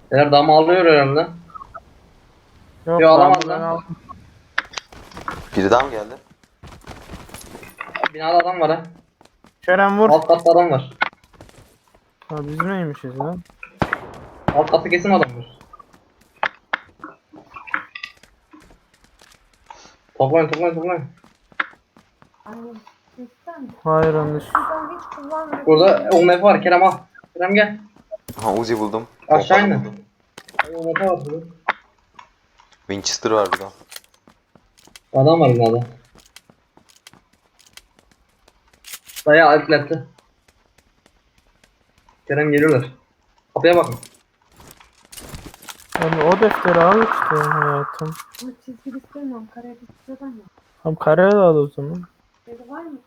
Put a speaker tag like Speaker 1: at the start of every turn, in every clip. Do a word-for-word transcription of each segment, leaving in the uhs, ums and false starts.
Speaker 1: Eğer dam alıyor herhalde.
Speaker 2: Yok
Speaker 1: Yo, alamaz
Speaker 2: ben buradan
Speaker 1: lan.
Speaker 2: aldım.
Speaker 3: Biri daha mı geldi?
Speaker 1: Binada adam var ha.
Speaker 2: Kerem vur.
Speaker 1: Alt katta adam var.
Speaker 2: Ha biz neymişiz lan?
Speaker 1: Alt katta kesin adam var. Toplayın toplayın toplayın.
Speaker 4: Anne, sistem.
Speaker 2: Hayır yanlış.
Speaker 4: Ben hiç kullanmıyorum.
Speaker 1: Burada U M P var, Kerem al. Kerem gel.
Speaker 3: Ha Uzi buldum.
Speaker 1: Aşağı
Speaker 3: Pompalı
Speaker 1: inin.
Speaker 3: buldum.
Speaker 1: U M P var burada.
Speaker 3: Winchester var burada.
Speaker 1: Adam var binada. Dayı alfletti. Kerem geliyorlar. Kapıya bakın.
Speaker 2: Yani o defteri al işte hayatım.
Speaker 4: Ama çizgi istemiyorum. Karaya istiyordan ya.
Speaker 2: Tam kareye de al o zaman.
Speaker 4: Dedi var mı?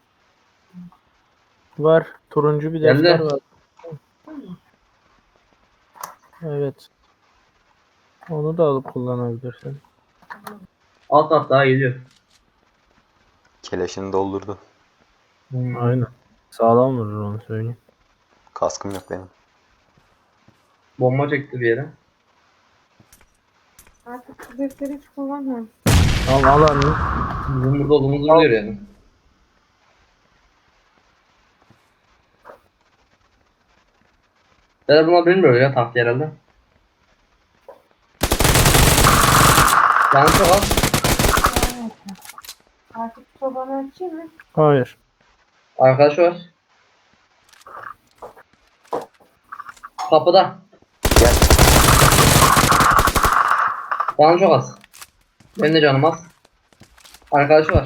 Speaker 2: Var. Turuncu bir
Speaker 1: Geldi.
Speaker 2: defter var.
Speaker 4: Var mı?
Speaker 2: Evet. Onu da alıp kullanabilirsin.
Speaker 1: Alt kat daha geliyor.
Speaker 3: Keleşini doldurdu.
Speaker 1: Hmm.
Speaker 2: Aynen. Sağlam vurur onu söyleyeyim.
Speaker 3: Kaskım yok benim.
Speaker 1: Bomba çekti bir yere.
Speaker 4: Artık bu defteri hiç kullanmıyorum.
Speaker 2: Al al anne.
Speaker 1: Bizim burada olduğumuzu biliyor yani. Ben buna bilmiyor ya tahtı herhalde. Yanlış çok az.
Speaker 4: Artık sobanı açayım mı?
Speaker 2: Hayır.
Speaker 1: Arkadaşı var. Kapıda.
Speaker 3: Gel.
Speaker 1: Canı çok az. Benim de canım az. Arkadaşı var.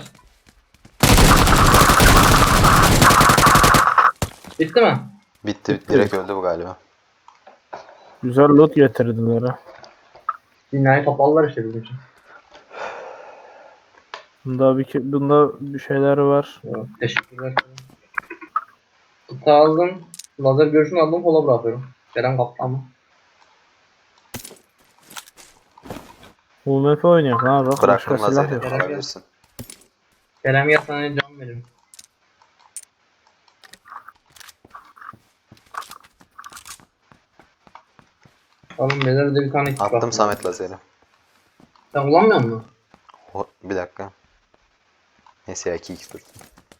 Speaker 1: Bitti mi?
Speaker 3: Bitti. Direkt öldü bu galiba.
Speaker 2: Güzel loot getirdiler ha.
Speaker 1: Dünyayı topladılar işte bizim için.
Speaker 2: Bunda bir, bunda bir şeyler var.
Speaker 1: Evet, teşekkürler. Kutu aldım. Lazer görüşünü aldım. Kola bırakıyorum. Kerem kaptı ama.
Speaker 2: U M P oynayak ha bak başka
Speaker 3: Bıraktım
Speaker 2: silah
Speaker 3: lazeri.
Speaker 2: yok.
Speaker 3: Alabilirsin.
Speaker 1: Kerem gel sana can veririm. Oğlum beyler de bir tane kit
Speaker 3: Attım
Speaker 1: bastım.
Speaker 3: Samet lazeri.
Speaker 1: Sen kullanmıyor musun?
Speaker 3: O, bir dakika. Neyse ya iki x dur.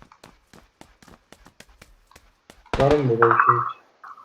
Speaker 1: Var mı böyle bir şey hiç?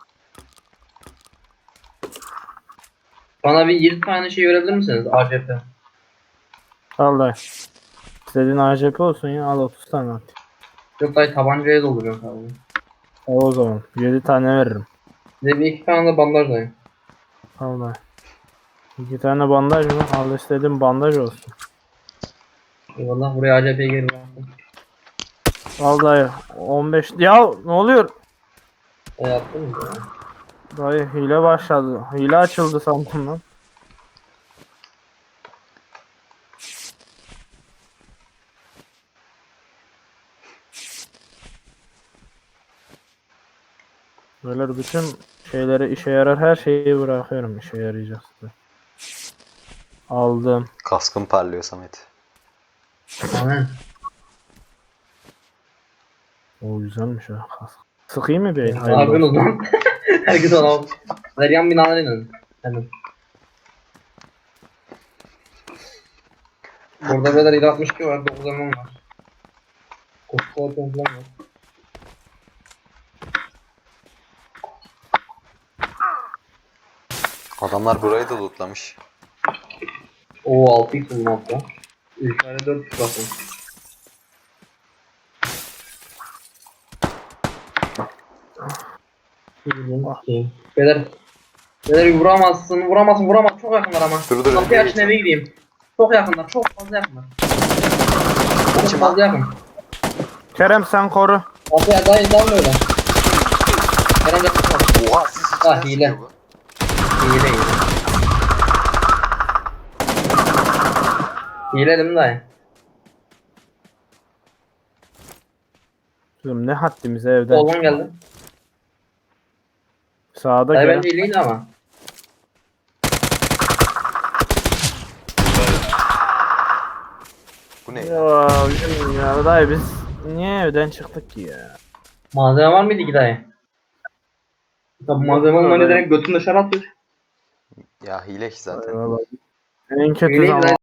Speaker 1: Bana bir yirmi tane şey verebilir misiniz? A C P.
Speaker 2: Al dayı. İstediğin A C P olsun ya al otuz tane at.
Speaker 1: Yok dayı tabancaya dolduruyorum sadece.
Speaker 2: Al o zaman. yedi tane veririm.
Speaker 1: Size bir iki tane de bandaj dayı.
Speaker 2: Al dayı. İki tane bandaj mı? Al istediğin bandaj olsun.
Speaker 1: Eyvallah buraya A C P'yi geri bıraktım.
Speaker 2: Al dayı. on beş. Ya ne oluyor?
Speaker 1: E yaptın mı? Ya?
Speaker 2: Dayı hile başladı. Hile açıldı sandım lan. Böyle bütün şeyleri işe yarar her şeyi bırakıyorum işe yarayacaksa. Aldım.
Speaker 3: Kaskım parlıyor Samet.
Speaker 1: Amin.
Speaker 2: O güzelmiş ha. kask. Sıkayım mı bir?
Speaker 1: Ne
Speaker 2: Hayırlı olsun.
Speaker 1: yapıyorsunuz lan? Herkes ona bak. Ver yan binalara inin. Hemen. Burada beyler yedi altmış iki var. dokuz M var. Kutsal falan var.
Speaker 3: Adamlar burayı da lootlamış.
Speaker 1: Oo altı x buldum hatta. üç tane dört x bakın. Beyler. Beyler vuramazsın, vuramazsın, vuramaz. Çok yakınlar ama.
Speaker 3: Dur, dur,
Speaker 1: Kapıyı
Speaker 3: önce
Speaker 1: açın eve gideyim. Çok yakınlar, çok fazla yakınlar. Çok
Speaker 3: İçim
Speaker 1: fazla yakın.
Speaker 2: Kerem sen koru.
Speaker 1: Kapıyı daha daha böyle. Kerem yakın var.
Speaker 3: Oha siz
Speaker 1: Ah,
Speaker 3: içinden
Speaker 1: hile.
Speaker 3: sıkıyor bu.
Speaker 1: Hile hile. Hile değil mi dayı?
Speaker 2: Kızım ne haddimize evden
Speaker 1: Soldan
Speaker 2: çıkma.
Speaker 1: geldi.
Speaker 2: Sağda
Speaker 1: Dayı
Speaker 2: Kerem.
Speaker 1: bence hileydi ama.
Speaker 3: Bu ne?
Speaker 2: Ya, bizim ya dayı biz niye evden çıktık ki ya?
Speaker 1: Malzeme var mıydı ki dayı? Tabi malzeme olmayınca direkt götünü dışarı atıyor.
Speaker 3: Ya hile ki zaten.
Speaker 2: Vallahi en kötü
Speaker 1: Hileyi
Speaker 2: zaman